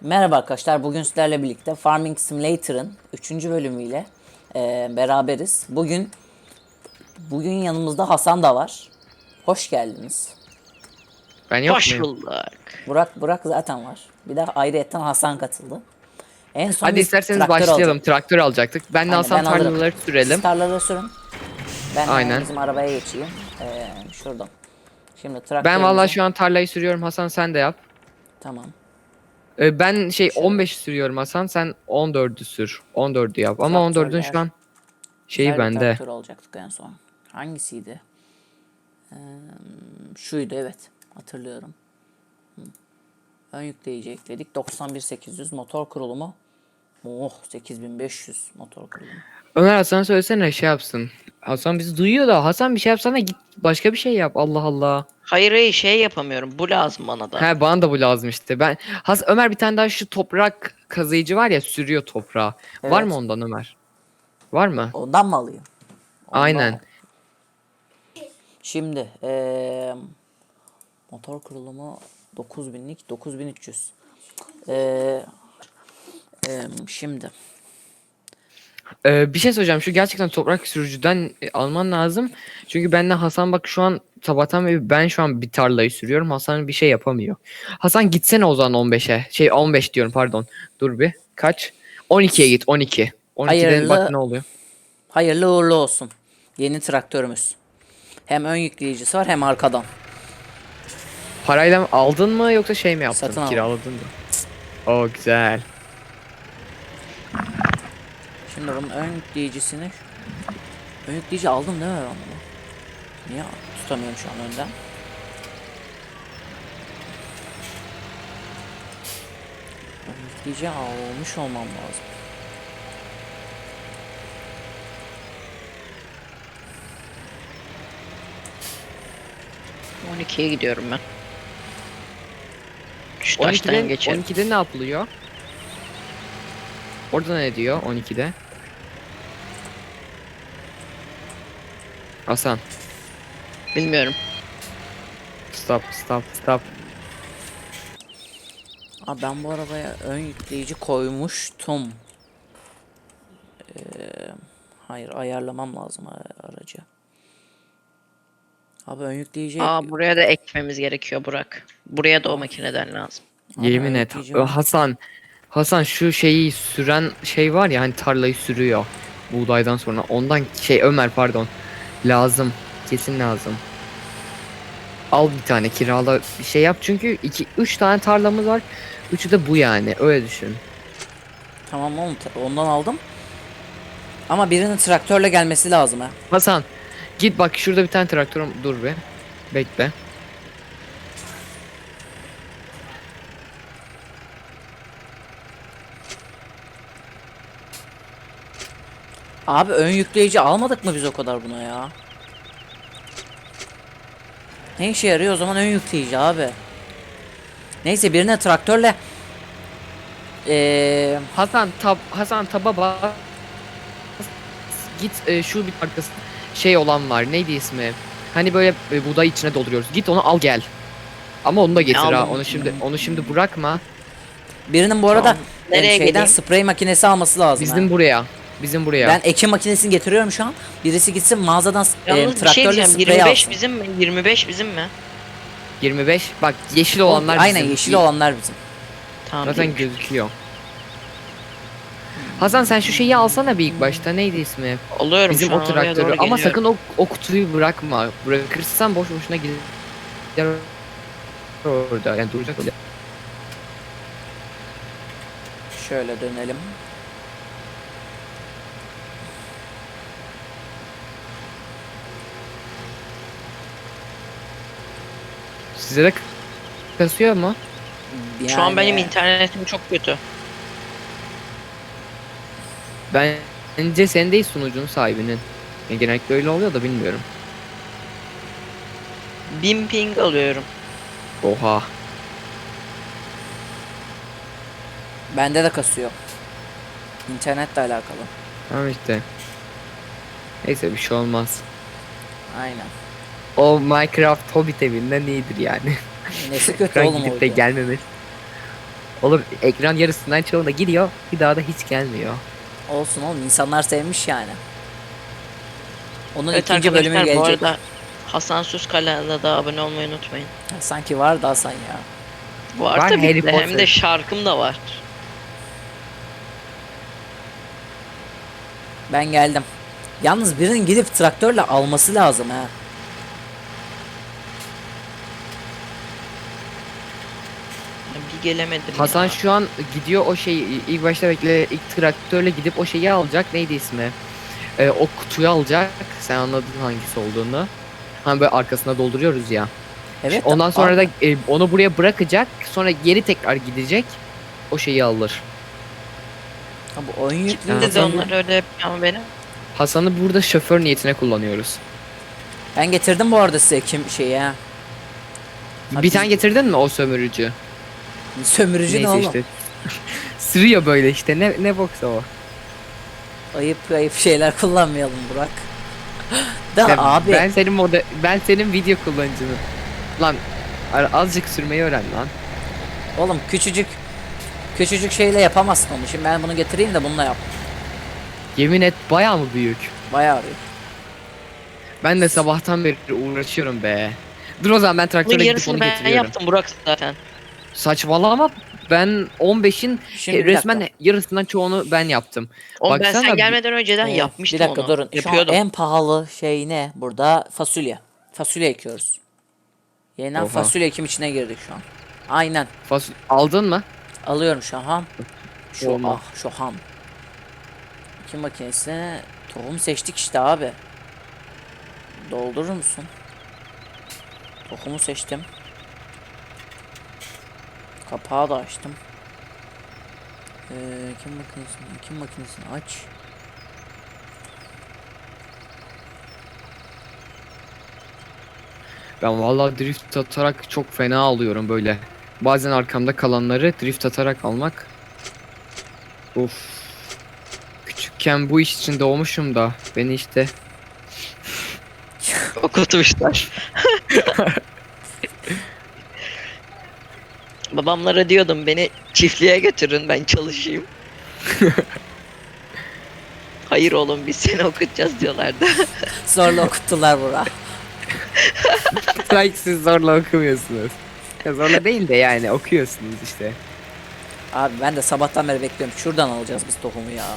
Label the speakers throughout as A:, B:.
A: Merhaba arkadaşlar, bugün sizlerle birlikte Farming Simulator'ın 3. bölümüyle beraberiz. Bugün yanımızda Hasan da var. Hoş geldiniz.
B: Ben yok
C: Hoş
B: muyum?
C: bulduk.
A: Burak zaten var. Bir de ayrıyetten Hasan katıldı. En son
B: Hadi
A: biz
B: isterseniz
A: traktör
B: başlayalım.
A: alacaktık.
B: Traktör alacaktık. Ben de
A: Aynen,
B: Hasan
A: ben alırım.
B: tarlaları
A: Siz
B: sürelim.
A: tarlaları sürün. Ben
B: Aynen.
A: bizim arabaya geçeyim. Şuradan. Şimdi
B: Ben vallahi
A: traktörümüzü...
B: şu an tarlayı sürüyorum. Hasan sen de yap.
A: Tamam.
B: Ben
A: Şöyle.
B: 15 sürüyorum Hasan. Sen 14'ü sür. 14'ü yap. Ama 14'ün şu
A: Traktörler.
B: an şeyi
A: Güzel bir
B: bende.
A: traktör alacaktık en son. Hangisiydi? Şuydu, evet. Hatırlıyorum. Ön yükleyici ekledik. 91800 motor kurulumu. Oh, 8500 motor kurulumu.
B: Ömer Hasan'a söylesene şey yapsın. Hasan bizi duyuyor da Hasan bir şey yapsana git başka bir şey yap. Allah Allah.
C: Hayır şey yapamıyorum. Bu lazım bana da.
B: He bana da bu lazım işte. Ömer bir tane daha şu toprak kazıyıcı var ya sürüyor toprağı. Var mı
A: Evet.
B: ondan Ömer? Var mı?
A: Ondan mı alayım?
B: Aynen.
A: Ondan. Şimdi motor kurulumu 9000'lik 9300. Şimdi
B: Bir şey söyleyeceğim. Şu gerçekten toprak sürücüden alman lazım. Çünkü benle Hasan bak şu an sabahtan beri ben şu an bir tarlayı sürüyorum. Hasan bir şey yapamıyor. Hasan gitsene o zaman 15'e. 15 diyorum pardon. Dur bir. Kaç? 12'ye git 12. 12'de bak
A: hayırlı
B: ne oluyor.
A: hayırlı uğurlu olsun. Yeni traktörümüz. Hem ön yükleyicisi var hem arkadan.
B: Parayla mı aldın mı yoksa şey mi yaptın?
A: Satın aldım.
B: Kiraladın mı? O güzel.
A: Şimdi bunun ön yükleyici aldım değil mi ben bunu? Niye tutamıyorum şu an önden? Ön yükleyici almış olmam lazım.
C: On 12'ye gidiyorum ben. Şu taştan
B: 12'de
C: geçerim.
B: 12'de ne yapılıyor? Orada ne diyor 12'de? Hasan.
C: Bilmiyorum.
B: Stop.
A: Abi ben bu arabaya ön yükleyici koymuştum. Ee, hayır, ayarlamam lazım aracı. Abi ön yükleyici...
C: Buraya da ekmemiz gerekiyor Burak. Buraya da o makineden lazım.
A: Abi ön
B: Yemin et.
A: yükleyicim...
B: Hasan şu şeyi süren şey var ya hani tarlayı sürüyor buğdaydan sonra ondan Ömer pardon lazım kesin lazım. Al bir tane kirala bir şey yap çünkü 3 tane tarlamız var. Üçü de bu yani öyle düşün.
A: Tamam oğlum, ondan aldım. Ama birinin traktörle gelmesi lazım ha.
B: Hasan git bak şurada bir tane traktörüm dur be. Bekle.
A: Abi ön yükleyici almadık mı biz o kadar buna ya? Ne işe yarıyor o zaman ön yükleyici abi? Neyse, birine traktörle...
B: Hasan taba bas. Git şu bir arkası şey olan var neydi ismi? Hani böyle buğday içine dolduruyoruz. Git onu al gel. Ama onu da getir ha.
C: Aldım.
B: Onu şimdi bırakma.
A: Birinin bu arada
C: Tamam. Nereye
A: şeyden
C: geleyim?
A: sprey makinesi alması lazım
B: Bizim
A: ha.
B: buraya. Bizim buraya.
A: Ben ekim makinesini getiriyorum şu an. Birisi gitsin mağazadan
C: Yalnız bir şey
A: traktörle
C: diyeceğim.
A: sprey
C: 25
A: alsın.
C: bizim mi? 25 bizim mi?
B: 25. Bak yeşil olanlar
A: Aynen,
B: bizim.
A: yeşil olanlar bizim.
C: Tamam.
B: Zaten
C: değilmiş.
B: gözüküyor. Hasan sen şu şeyi alsana bir ilk başta. Neydi ismi?
C: Alıyorum
B: Bizim
C: şu an
B: o
C: oraya
B: traktörü.
C: doğru
B: Ama
C: geliyorum.
B: sakın o kutuyu bırakma. Bırakırsan boş boşuna gider orada. Yani duracak öyle.
A: Şöyle dönelim.
B: Size de kasıyor mu?
C: Şu an benim
A: Yani
C: internetim çok kötü.
B: Bence sen değil sunucunun sahibinin. Yani genellikle öyle oluyor da bilmiyorum.
C: 1000 ping alıyorum.
B: Oha.
A: bende de kasıyor. İnternetle alakalı.
B: Tamam işte. Neyse bir şey olmaz.
A: Aynen.
B: O Minecraft Hobbit evinden iyidir yani.
A: Nesi kötü
B: Ekran
A: oğlum
B: gidip
A: oydu.
B: de gelmemesi. Oğlum ekran yarısından çoğunda gidiyor. Bir daha da hiç gelmiyor.
A: Olsun oğlum, insanlar sevmiş yani. Onun
C: Evet
A: ikinci bölümü
C: arkadaşlar, bu
A: gelecek.
C: arada Hasan Sus kanalına da abone olmayı unutmayın.
A: Sanki vardı Hasan ya.
C: Var
B: Var,
C: tabii
B: Harry
C: ki de, hem
B: Potter.
C: de şarkım da var.
A: Ben geldim. Yalnız birinin gidip traktörle alması lazım ha.
C: Bir gelemedim
B: Hasan
C: ya.
B: şu an gidiyor o şeyi ilk başta bekle ilk traktörle gidip o şeyi alacak. Neydi ismi? O kutuyu alacak. Sen anladın hangisi olduğunu. Hani böyle arkasına dolduruyoruz ya.
A: Evet.
B: Ondan sonra da
A: abi.
B: onu buraya bırakacak. Sonra geri tekrar gidecek. O şeyi alır.
A: Ha, bu oyun yüklü.
C: Şimdi de onlar öyle yapıyor ama benim.
B: Hasan'ı burada şoför niyetine kullanıyoruz.
A: Ben getirdim bu arada size kim şeyi ha. Ha,
B: Bir
A: biz-
B: tane getirdin mi o sömürücü?
A: Sömürücü ne
B: Neyse
A: oğlum?
B: işte. Sürüyor böyle işte. Ne boksa o.
A: Ayıp şeyler kullanmayalım Burak. Da
B: Ya
A: abi.
B: ben senin video kullanıcını. Lan azıcık sürmeyi öğren lan.
A: Oğlum küçücük şeyle yapamazsın onu. Şimdi ben bunu getireyim de bununla yap.
B: Yemin et bayağı mı büyük?
A: Bayağı arıyor.
B: Ben de sabahtan beri uğraşıyorum be. Dur o zaman ben
C: Bunun
B: traktörle gidip
C: yarısını
B: onu
C: ben
B: getiriyorum.
C: yaptım Burak zaten.
B: Saçmalama, ben 15'in
A: Şimdi bir
B: resmen
A: dakika.
B: yarısından çoğunu ben yaptım.
C: Oğlum ben
B: Baksana
C: sen
B: bir-
C: gelmeden önceden
A: Bir
C: yapmıştım
A: dakika
C: onu.
A: durun. Şu an
C: Yapıyordum.
A: en pahalı şey ne? Burada fasulye. Fasulye ekiyoruz. Yeniden
B: Oha.
A: fasulye ekim içine girdik şu an. Aynen.
B: Aldın mı?
A: Alıyorum şu an. Şu
B: Olma.
A: şu ham. Ekim makinesi. Tohum seçtik işte abi. Doldurur musun? Tohumu seçtim. Kapağı da açtım. Ekim makinesini aç.
B: Ben vallahi drift atarak çok fena alıyorum böyle. Bazen arkamda kalanları drift atarak almak. Of. Küçükken bu iş için doğmuşum da beni işte
C: Okutmuşlar. Babamlara diyordum beni çiftliğe götürün, ben çalışayım. Hayır oğlum, biz seni okutacağız diyorlardı.
A: Zorla okuttular Burak.
B: sanki siz zorla okumuyorsunuz. Ya zorla değil de yani okuyorsunuz işte.
A: Abi ben de sabahtan beri bekliyorum. Şuradan alacağız biz tohumu ya.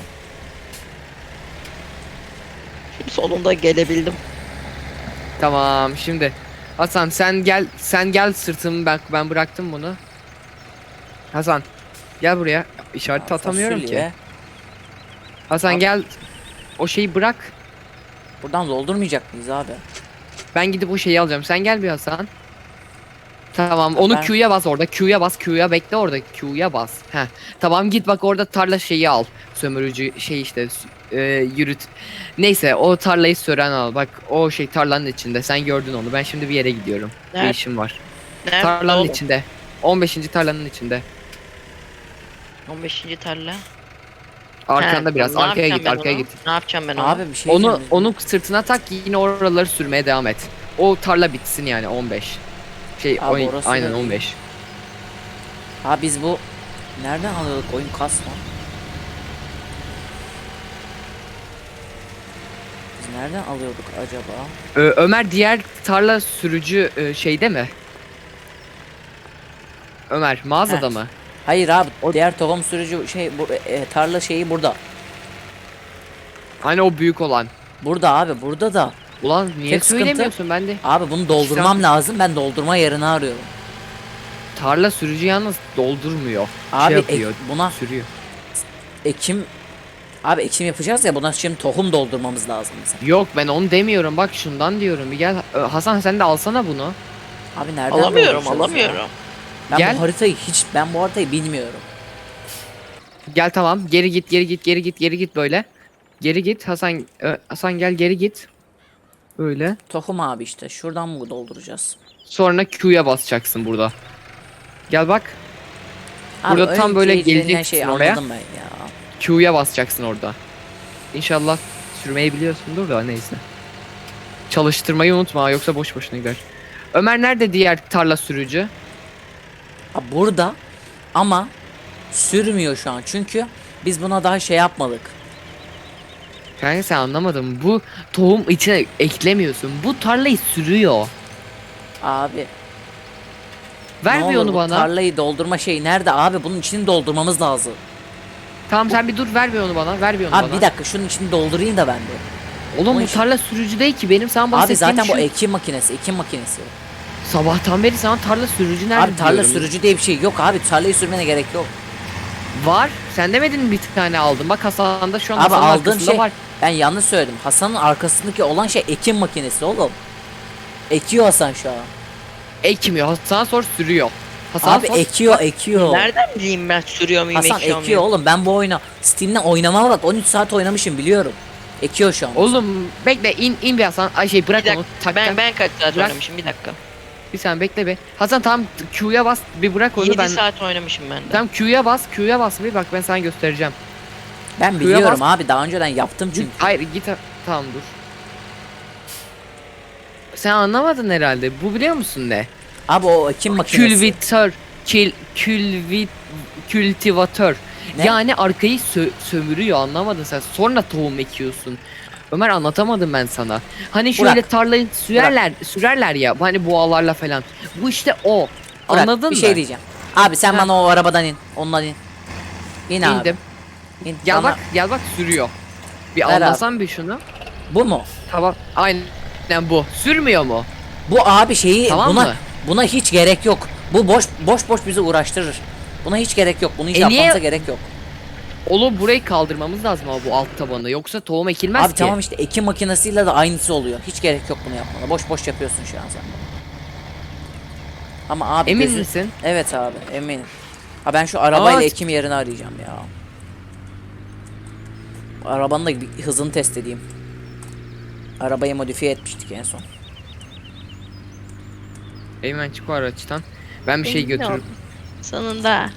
C: Sonunda gelebildim.
B: Tamam şimdi Hasan sen gel sırtımı ben bıraktım bunu. Hasan gel buraya. İşareti atamıyorum ki.
A: Fasulye.
B: Hasan
A: Abi.
B: gel o şeyi bırak.
A: Buradan doldurmayacak mıyız abi?
B: Ben gidip o şeyi alacağım. Sen gel bir Hasan. Tamam onu
A: Ben-
B: Q'ya bas orada. Q'ya bas. Q'ya bekle orada. Q'ya bas. Heh. Tamam git bak orada tarla şeyi al. Sömürücü şey işte yürüt. Neyse o tarlayı süren al. Bak o şey tarlanın içinde. Sen gördün onu. Ben şimdi bir yere gidiyorum. Bir
C: Nerede?
B: işim var.
C: Nerede
B: Tarlanın
C: oğlum?
B: içinde. 15. tarlanın içinde.
C: 15. tarla.
B: Arkanda
C: He,
B: biraz.
C: ne
B: Arkaya
C: yapacağım
B: git,
C: ben
B: arkaya
C: onu?
B: git.
C: Ne yapacağım ben onu?
A: Abi bir şey
B: Onu
A: diyeceğim.
B: onu sırtına tak yine oraları sürmeye devam et. O tarla bitsin yani 15. Şey
A: Abi orası
B: aynen
A: da-
B: 15.
A: Ha biz bu nereden alıyorduk oyun kasma? Biz nereden alıyorduk acaba?
B: Ömer diğer tarla sürücü şeyde mi? Ömer mağazada
A: Heh.
B: mı?
A: Hayır abi
B: O-
A: diğer tohum sürücü şey tarla şeyi burada.
B: Hani o büyük olan.
A: Burada abi burada da.
B: Ulan niye
A: Tek sıkıntı-
B: söylemiyorsun ben de?
A: Abi bunu doldurmam lazım. Ben doldurma yerini arıyorum.
B: Tarla sürücü yalnız doldurmuyor.
A: Abi
B: şey yapıyor.
A: buna
B: Sürüyor.
A: ekim abi ekim yapacağız ya, buna şimdi tohum doldurmamız lazım mesela.
B: Yok ben onu demiyorum bak şundan diyorum. Bir gel Hasan sen de alsana bunu.
A: Abi nereden
C: Alamıyorum,
A: dolduracağız ya?
C: alamıyorum.
A: Ben
B: Gel.
A: bu haritayı bilmiyorum.
B: Gel tamam geri git böyle. Geri git Hasan Hasan gel geri git. Böyle.
A: Tohum abi işte şuradan mı dolduracağız?
B: Sonra Q'ya basacaksın burada. Gel bak.
A: Abi
B: Burada tam böyle
A: önce denilen
B: geleceksin oraya.
A: anladım ben ya.
B: Q'ya basacaksın orada. İnşallah sürmeyi biliyorsundur da neyse. Çalıştırmayı unutma yoksa boş boşuna gider. Ömer nerede diğer tarla sürücü?
A: Abi burada ama sürmüyor şu an. Çünkü biz buna daha şey yapmadık.
B: Kanka sen anlamadın. Bu tohum içine eklemiyorsun. Bu tarlayı sürüyor.
A: Abi
B: Ver
A: ne
B: bir
A: olur
B: onu
A: bu
B: bana.
A: tarlayı doldurma şeyi nerede abi? Bunun içini doldurmamız lazım.
B: Tamam sen bir dur, ver bir onu bana. Ver bir onu
A: Abi
B: bana.
A: bir dakika şunun içini doldurayım da ben de.
B: Oğlum
A: O
B: bu
A: iş-
B: tarla sürücü değil ki, benim sana
A: Abi
B: bahsettiğim
A: zaten bu
B: şu.
A: ekim makinesi, ekim makinesi.
B: Sabahtan beri sana tarla sürücü nerede
A: Abi tarla
B: diyorum.
A: sürücü diye bir şey yok abi. Tarlayı sürmene gerek yok.
B: Var. Sen demedin mi bir tane aldım? Bak Hasan'da şu an
A: Abi
B: Hasan'ın
A: aldığım
B: arkasında
A: şey
B: var.
A: ben yanlış söyledim. Hasan'ın arkasındaki olan şey ekim makinesi oğlum. Ekiyor Hasan şu an.
B: Ekmiyor. Hasan sor sürüyor. Hasan
A: Abi
B: sor.
A: ekiyor.
C: Nereden bileyim ben sürüyor muyum,
A: Hasan
C: ekiyor
A: ekiyor
C: muyum?
A: oğlum. Ben bu oyuna Steam'den oynamama bak 13 saat oynamışım biliyorum. Ekiyor şu an.
B: Oğlum bekle, in bir Hasan. Ay şey bırak
C: Bir
B: onu.
C: dakika,
B: Tak,
C: ben kaç saat
B: Bırak.
C: oynamışım, bir dakika.
B: Bir saniye bekle be. Hasan tamam, Q'ya bas bir, bırak onu
C: 7
B: ben.
C: saat oynamışım ben de.
B: Tamam Q'ya bas bir, bak ben sana göstereceğim.
A: Ben
B: Şuraya
A: biliyorum
B: bas.
A: abi daha önceden yaptım çünkü.
B: Hayır git, tamam dur. Sen anlamadın herhalde. Bu biliyor musun ne?
A: Abi o ekim makinesi.
B: Kültivatör. Kültivatör.
A: Ne?
B: Yani arkayı sömürüyor, anlamadın sen. Sonra tohum ekiyorsun. Ömer, anlatamadım ben sana. Hani şöyle
A: Burak.
B: tarlayı sürerler ya. Hani boğalarla falan. Bu işte o.
A: Burak,
B: Anladın
A: bir
B: mı?
A: şey diyeceğim. Abi sen
B: Ha.
A: bana o arabadan in. Ondan in. İn abi.
B: İndim.
A: İn.
B: Gel
A: Bana-
B: bak, gel bak sürüyor. Bir
A: Ver abi.
B: anlasan bir şunu.
A: Bu mu?
B: Tamam. Aynen bu. Sürmüyor mu?
A: Bu abi şeyi
B: Tamam
A: buna
B: mı?
A: buna hiç gerek yok. Bu boş bizi uğraştırır. Buna hiç gerek yok. Bunu hiç
B: E niye-
A: yapmamıza gerek yok.
B: Oğlum burayı kaldırmamız lazım ama bu alt tabanı. Yoksa tohum ekilmez
A: Abi
B: ki.
A: tamam işte ekim makinesiyle de aynısı oluyor. Hiç gerek yok bunu yapmana. Boş yapıyorsun şu an sen. Ama abi
B: Emin misin?
A: Evet abi eminim. Ha ben şu arabayla
B: Aa,
A: ekim yerini arayacağım ya. Arabanın da bir hızını test edeyim. Arabayı modifiye etmiştik en son.
B: Eymen çık o araçtan. Ben bir şey
C: Emin
B: götürürüm.
C: ol. Sonunda.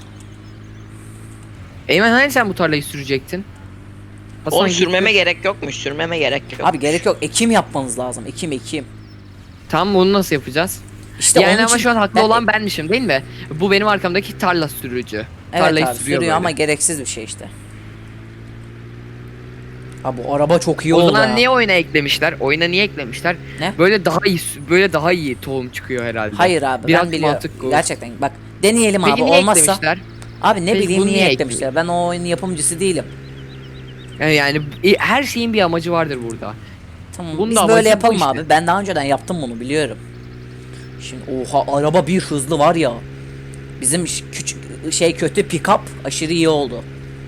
B: Eymen hani sen bu tarlayı sürecektin? Hasan
C: Oğlum
B: git
C: sürmeme
B: gör.
C: gerek yokmuş, sürmeme gerek yok.
A: Abi gerek yok. Ekim yapmanız lazım. Ekim.
B: Tamam, bunu nasıl yapacağız?
A: İşte
B: Yani
A: onun
B: ama
A: için
B: şu an haklı
A: ben-
B: olan benmişim değil mi? Bu benim arkamdaki tarla sürücü.
A: Evet
B: Tarlayı
A: abi
B: sürüyor
A: sürüyor ama
B: böyle.
A: gereksiz bir şey işte. Abi bu araba çok iyi
B: O
A: oldu
B: zaman
A: ha.
B: niye oyuna eklemişler? Oyuna niye eklemişler?
A: Ne?
B: Böyle daha iyi tohum çıkıyor herhalde.
A: Hayır abi
B: Biraz
A: ben biliyorum.
B: mantık bu.
A: Gerçekten bak deneyelim
B: Peki
A: abi
B: niye
A: olmazsa.
B: eklemişler?
A: Abi ne
B: Peki
A: bileyim
B: bunu
A: niye
B: niye
A: eklemişler. Ben o oyunun yapımcısı değilim.
B: Yani her şeyin bir amacı vardır burada.
A: Tamam
B: Bunun
A: biz
B: da
A: böyle
B: amacı bu
A: yapalım
B: işte.
A: abi. Ben daha önceden yaptım bunu biliyorum. Şimdi oha araba bir hızlı var ya. Bizim küçük şey kötü pick-up aşırı iyi oldu.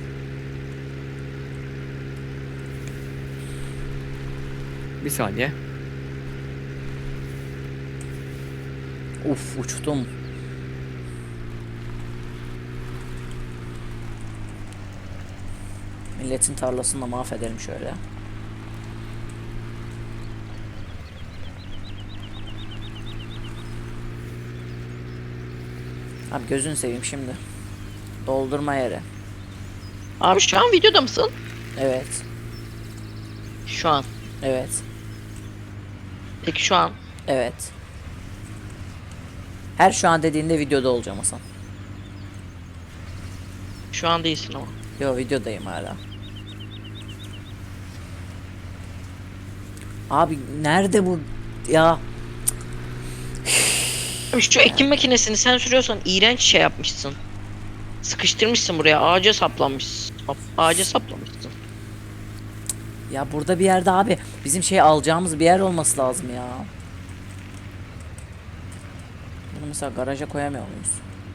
B: Bir saniye.
A: Uf uçtum. Milletin tarlasını da mahvedelim şöyle. Abi gözünü seveyim şimdi. Doldurma yeri.
C: Abi şu an videoda mısın?
A: Evet.
C: Şu an.
A: Evet.
C: Peki şu an.
A: Evet. Her şu an dediğinde videoda olacağım Hasan.
C: Şu an değilsin ama.
A: Yo videodayım hala. Abi nerede bu ya?
C: Abi şu ekim makinesini sen sürüyorsan iğrenç şey yapmışsın. Sıkıştırmışsın buraya, ağaca saplanmışsın. Ağaca saplamışsın.
A: Ya burada bir yerde abi bizim şey alacağımız bir yer olması lazım ya. Bunu mesela garaja koyamıyor muyuz?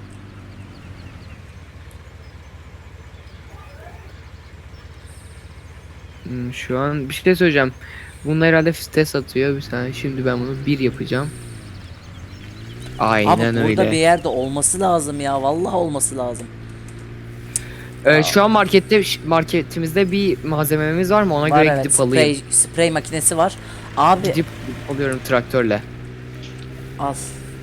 B: Şu an bir şey söyleyeceğim. Bunun herhalde test atıyor. Bir saniye, şimdi ben bunu bir yapacağım. Aynen
A: Abi burada
B: öyle.
A: bir yerde olması lazım ya. Vallahi olması lazım.
B: Şu an marketimizde bir malzememiz var mı? Ona
A: Var
B: göre
A: evet.
B: gidip alayım.
A: Sprey makinesi var. Abi
B: Gidip alıyorum traktörle.
A: al.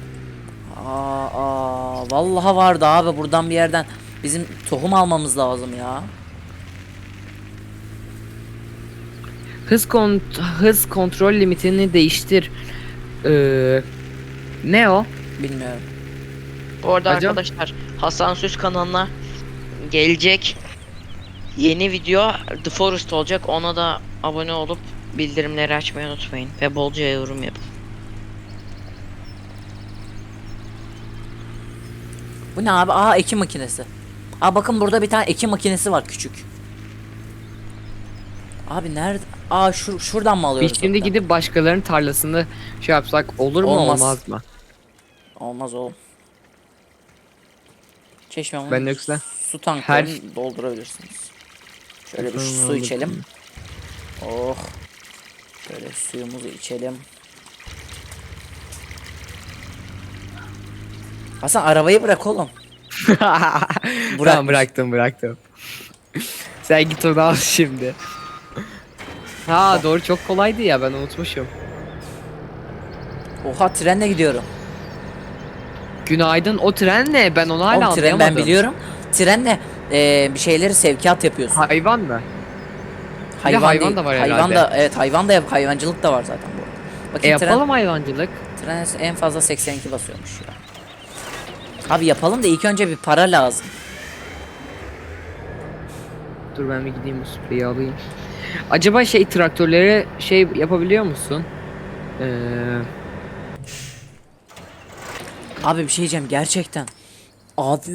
A: Vallahi vardı abi buradan bir yerden bizim tohum almamız lazım ya.
B: Hız kontrol limitini değiştir. Ne o?
A: Bilmiyorum.
C: Bu arada
B: Acaba-
C: arkadaşlar Hasan Süz kanalına gelecek yeni video The Forest olacak. Ona da abone olup bildirimleri açmayı unutmayın ve bolca yorum yapın.
A: Bu ne abi? Aa, ekim makinesi. Aa, bakın burada bir tane ekim makinesi var, küçük. Abi nerede? Aa, şuradan mı alıyoruz?
B: Biz şimdi
A: hatta?
B: gidip başkalarının tarlasını şey yapsak olur mu
A: Olmaz.
B: olmaz mı?
A: Olmaz oğlum. Çeşmenin
B: Ben yoksa
A: su tanklarını doldurabilirsiniz. Şöyle bir su içelim. Oh. Böyle suyumuzu içelim. Hasan, arabayı bırak oğlum.
B: Tamam, bıraktım. Sen git onu al şimdi. Ha doğru, çok kolaydı ya, ben unutmuşum.
A: Oha, trenle gidiyorum.
B: Günaydın, o tren ne? Ben onu hala
A: Oğlum, tren
B: anlayamadım.
A: ben biliyorum. Trenle bir şeyleri sevkiyat yapıyorsun.
B: Hayvan mı? Bir de hayvan
A: değil.
B: da var
A: Hayvan
B: herhalde.
A: da, evet, hayvan da hayvancılık da var zaten bu arada. Bakayım,
B: Yapalım hayvancılık.
A: tren en fazla 82 basıyormuş ya. Abi yapalım da ilk önce bir para lazım.
B: Dur ben bir gideyim, bu spreyi alayım. Acaba traktörlere şey yapabiliyor musun?
A: Abi bir şey diyeceğim gerçekten. Abi.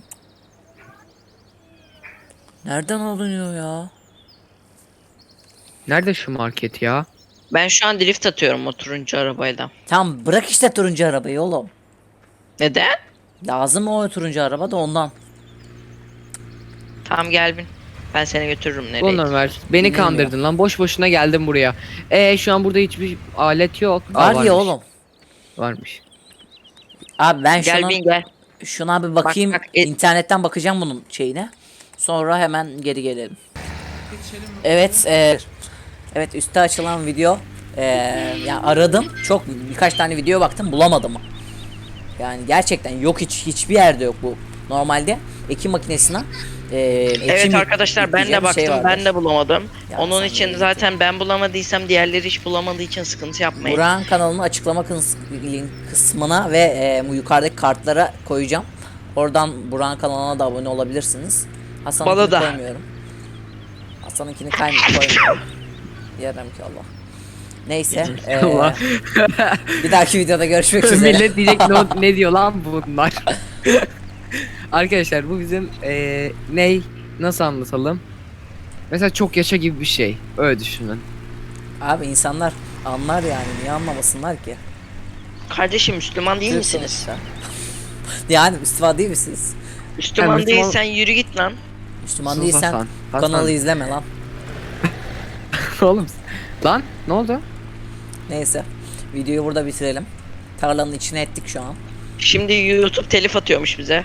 A: Nereden alınıyor ya?
B: Nerede şu market ya?
C: Ben şu an drift atıyorum o turuncu arabayla.
A: Tamam, bırak işte turuncu arabayı oğlum.
C: Neden?
A: Lazım o turuncu araba da ondan.
C: Tamam gel bin. Ben seni götürürüm nereye?
B: Ulan Ömer, beni
A: Bilmiyorum
B: kandırdın lan, boş boşuna geldim buraya. Şu an burada hiçbir alet yok.
A: Var ya
B: varmış.
A: oğlum.
B: Varmış.
A: Abi ben
C: Gel bin gel.
A: şuna bir bakayım.
C: Bak,
A: İnternetten bakacağım bunun şeyine. Sonra hemen geri gelelim. Evet, evet, üstte açılan video. Ya aradım. Çok birkaç tane video baktım, bulamadım. Yani gerçekten yok, hiçbir yerde yok bu. Normalde ekim makinesine
C: Evet arkadaşlar, ben de baktım, ben de bulamadım.
A: Ya
C: Onun
A: sen
C: için
A: de
C: zaten ben bulamadıysam diğerleri hiç bulamadığı için sıkıntı yapmayın.
A: Burak'ın kanalının açıklama kısmına ve bu yukarıdaki kartlara koyacağım. Oradan Burak'ın kanalına da abone olabilirsiniz.
C: Bana
A: Hasan'ınkini
C: da.
A: koymuyorum. Hasan'ınkini koymuyorum. Yarım ki Allah. Neyse.
B: Allah.
A: Bir dahaki videoda görüşmek üzere.
B: Millet diyecek ne diyor lan bunlar? Arkadaşlar bu bizim nasıl anlatalım? Mesela çok yaşa gibi bir şey. Öyle düşünün.
A: Abi insanlar anlar yani, niye anlamasınlar ki?
C: Kardeşim Müslüman değil misiniz?
A: Sonuçta. Yani Müslüman değil misiniz?
C: Müslüman
B: Müslüman-
C: değilsen yürü git lan.
A: Müslüman
B: Sus
A: değilsen
B: Hasan,
A: bu
B: Hasan.
A: kanalı izleme lan.
B: Oğlum. Lan ne oldu?
A: Neyse. Videoyu burada bitirelim. Tarlanın içine ettik şu an.
C: Şimdi YouTube telif atıyormuş bize.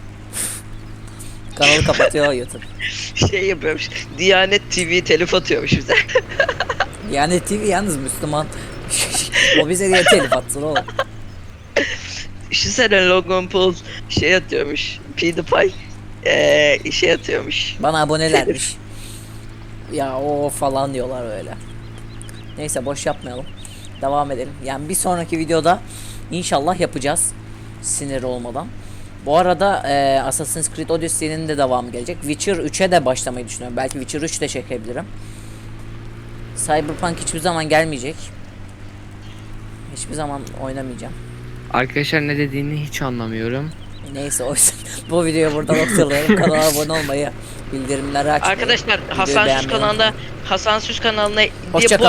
A: Kanalı kapatıyor YouTube.
C: Şey yapıyormuş. Diyanet TV telif atıyormuş bize.
A: Yani TV yalnız Müslüman. O bize diye telif atsın oğlum.
C: Şu sene Logan Paul şey atıyormuş. PewDiePie şey atıyormuş.
A: Bana abonelermiş. Ya o falan diyorlar öyle. Neyse, boş yapmayalım. Devam edelim. Yani bir sonraki videoda inşallah yapacağız. Sinir olmadan. Bu arada Assassin's Creed Odyssey'nin de devamı gelecek. Witcher 3'e de başlamayı düşünüyorum. Belki Witcher 3 de çekebilirim. Cyberpunk hiçbir zaman gelmeyecek. Hiçbir zaman oynamayacağım.
B: Arkadaşlar ne dediğini hiç anlamıyorum.
A: Neyse, o yüzden bu videoyu burada noktalayalım. Kanala abone olmayı, bildirimleri açmayı.
C: Arkadaşlar
A: videoyu
C: Hasan Süz
A: beğenmeyi
C: kanalında
A: unutmayın.
C: Hasan Süz kanalına
A: Hoşça
C: bu